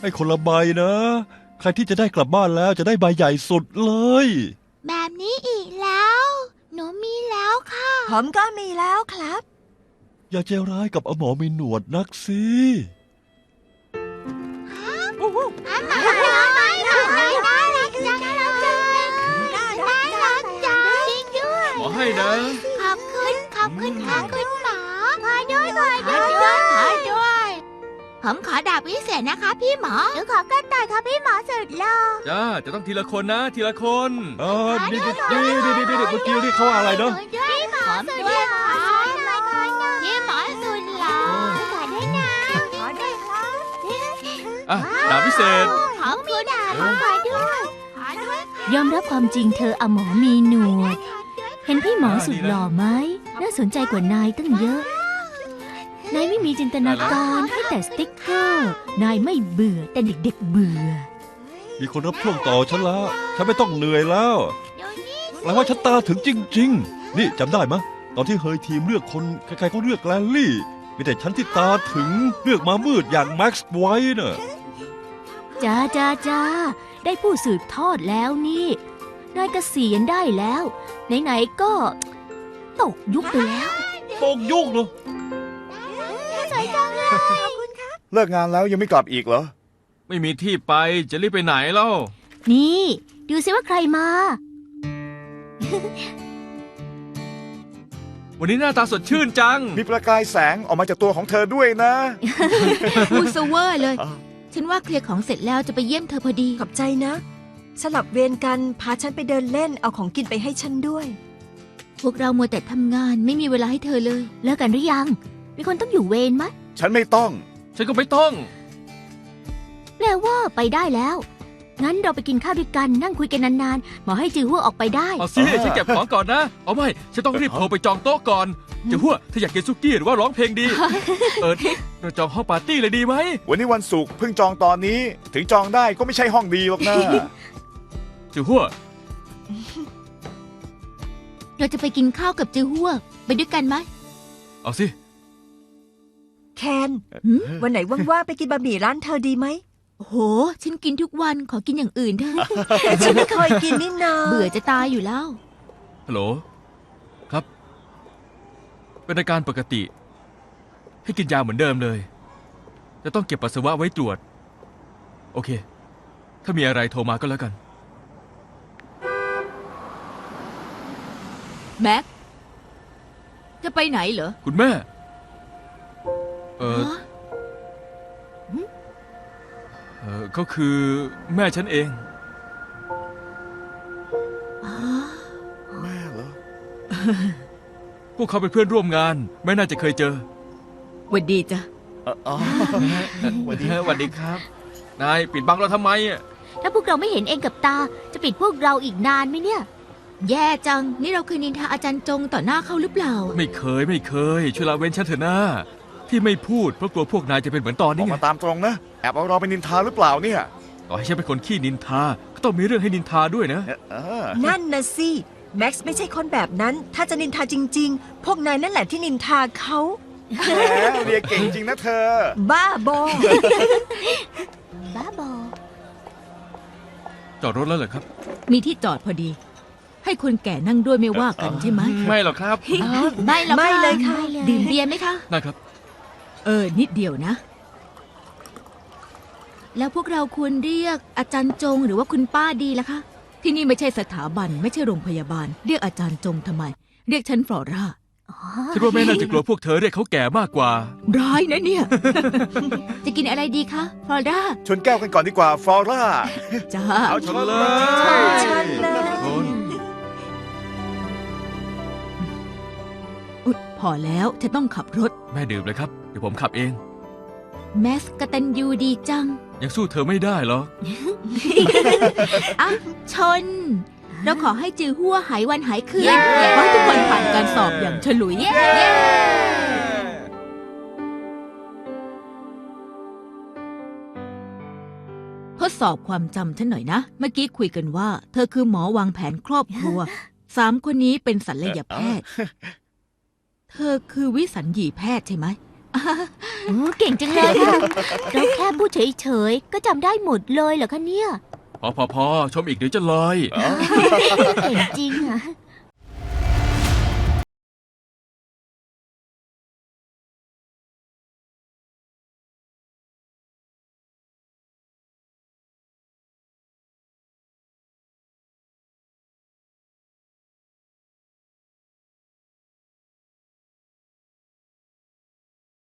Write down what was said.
ให้คนละใบนะ ใครที่จะได้กลับบ้านแล้วจะได้ใบใหญ่สุดเลยแบบนี้อีกแล้ว หนูมีแล้วค่ะผมก็มีแล้วครับอย่าใจร้ายกับอาหมอมีหนวดนักสิน่ารักจังน่ารักจังจริงด้วยขอให้นะขอบคุณค่ะคุณหมอขอด้วยผมขอดาบวิเศษนะคะพี่หมอหนูขอกระต่ายค่ะพี่หมอสุดหล่อจ้า จะต้องทีละคนนะ ทีละคนนี่เมื่อกี้นี่เขาว่าอะไรเนาะพี่หมอสุดหล่อพี่หมอสุดหล่อขอด้วยนะขอด้วยครับอ่ะ ดาบพิเศษขอบคุณนะขอด้วยยอมรับความจริงเธออาหมอมีหนวด เห็นพี่หมอสุดหล่อไหมน่าสนใจกว่านายตั้งเยอะ นายไม่มีจินตนาการให้แต่สติ๊กเกอร์ นายไม่เบื่อแต่เด็กๆเบื่อมีคนรับช่วงต่อฉันแล้ว ฉันไม่ต้องเหนื่อยแล้วแปลว่าฉันตาถึงจริงๆ นี่จำได้ไหมตอนที่เฮยทีมเลือกคนใครๆก็เลือกแลนลี่มีแต่ฉันที่ตาถึงเลือกมามืดอย่างแม็กซ์ไว้น่ะจ้าได้ผู้สืบทอดแล้วนี่ นายเกษียณได้แล้ว ไหนๆก็ตกยุคไปแล้วตกยุคเหรอเลิกงานแล้วยังไม่กลับอีกเหรอไม่มีที่ไป จะรีบไปไหนเล่านี่ ดูสิว่าใครมาวันนี้หน้าตาสดชื่นจังมีประกายแสงออกมาจากตัวของเธอด้วยนะพูดซะเวอร์เลยอ้าวฉันว่าเคลียร์ของเสร็จแล้วจะไปเยี่ยมเธอพอดีขอบใจนะ สลับเวรกันพาฉันไปเดินเล่นเอาของกินไปให้ฉันด้วยพวกเรามัวแต่ทำงานไม่มีเวลาให้เธอเลยเลิกกันหรือยัง มีคนต้องอยู่เวรไหมฉันไม่ต้องฉันก็ไม่ต้องแปลว่าไปได้แล้ว งั้นเราไปกินข้าวด้วยกันนั่งคุยกันนานๆหมอให้จือหัวออกไปได้เอาสิฉันเก็บของก่อนนะ เอาไม่ ฉันต้องรีบโทรไปจองโต๊ะก่อนจะหัวถ้าอยากกินซุกี้หรือว่าร้องเพลงดี เราจองห้องปาร์ตี้เลยดีไหมวันนี้วันศุกร์เพิ่งจองตอนนี้ ถึงจองได้ก็ไม่ใช่ห้องดีหรอกนะจะหัวเราจะไปกินข้าวกับจือหัวไปด้วยกันไหมเอาสิแคนวันไหนว่างๆไปกินบะหมี่ร้านเธอดีไหมโอ้โห ฉันกินทุกวันขอกินอย่างอื่นเถอะแต่ฉันไม่เคยกินนี่นาเบื่อจะตายอยู่แล้วฮัลโหล ครับ เป็นอาการปกติ ให้กินยาเหมือนเดิมเลย จะต้องเก็บปัสสาวะไว้ตรวจ โอเค ถ้ามีอะไรโทรมาก็แล้วกันแม็ก จะไปไหนเหรอคุณแม่ฮะก็คือแม่ฉันเองอ๋อแม่เหรอพวกเขาเป็นเพื่อนร่วมงาน ไม่น่าจะเคยเจอหวัดดีจ้ะอ๋อ สวัสดีสวัสดีครับ นายปิดบังเราทำไมอ่ะถ้าพวกเราไม่เห็นเองกับตา จะปิดพวกเราอีกนานไหมเนี่ยแย่จัง นี่เราเคยนินทาอาจารย์จงต่อหน้าเขาหรือเปล่าไม่เคย ช่วยละเว้นฉันเถอะนะที่ไม่พูดเพราะกลัวพวกนายจะเป็นเหมือนตอนอนี้อกไงมาตามตรงนะ แอบเอาเราไปนินทาหรือเปล่าเนี่ยต่อให้ฉันเป็นคนขี้นินทา ก็ต้องมีเรื่องให้นินทาด้วยนะเออนั่นนะสิ แม็กซ์ไม่ใช่คนแบบนั้น ถ้าจะนินทาจริง ๆ พวกนายนั่นแหละที่นินทาเขาแหมเรียนเก่งจริงนะเธอบ้าบอบ้าบอจอดรถแล้วเหรอครับมีที่จอดพอดี ให้คนแก่นั่งด้วยไม่ว่ากันใช่ไหมไม่หรอกครับไม่หรอกไม่เลยค่ะดื่มเบียร์ไหมคะนะครับนิดเดียวนะ แล้วพวกเราควรเรียกอาจารย์จงหรือว่าคุณป้าดีล่ะคะ ที่นี่ไม่ใช่สถาบันไม่ใช่โรงพยาบาล เรียกอาจารย์จงทำไม เรียกฉันฟลอร่าคิดว่าแม่น่าจะกลัวพวกเธอเรียกเขาแก่มากกว่าร้ายนะเนี่ย จะกินอะไรดีคะฟลอร่าชวนแก้วกันก่อนดีกว่า ฟลอร่าจ้าเอาชนเลยฉันเลยคนอุ๊ยพอแล้วฉันต้องขับรถแม่ดื่มเลยครับ เดี๋ยวผมขับเองแมสกตันยูดีจังยังสู้เธอไม่ได้หรอกอ่ะชน เราขอให้จือหัวหายวันหายคืนขอให้ทุกคนผ่านการสอบอย่างฉลุย ทดสอบความจำฉันหน่อยนะ เมื่อกี้คุยกันว่า เธอคือหมอวางแผนครอบครัว 3 คนนี้เป็นศัลยแพทย์ เธอคือวิสัญญีแพทย์ใช่ไหมโอ้เก่งจังเลยค่ะ เราแค่พูดเฉยๆ ก็จำได้หมดเลยเหรอคะเนี่ยพอชมอีกเดี๋ยวจะลอยเก่งจริงอ่ะ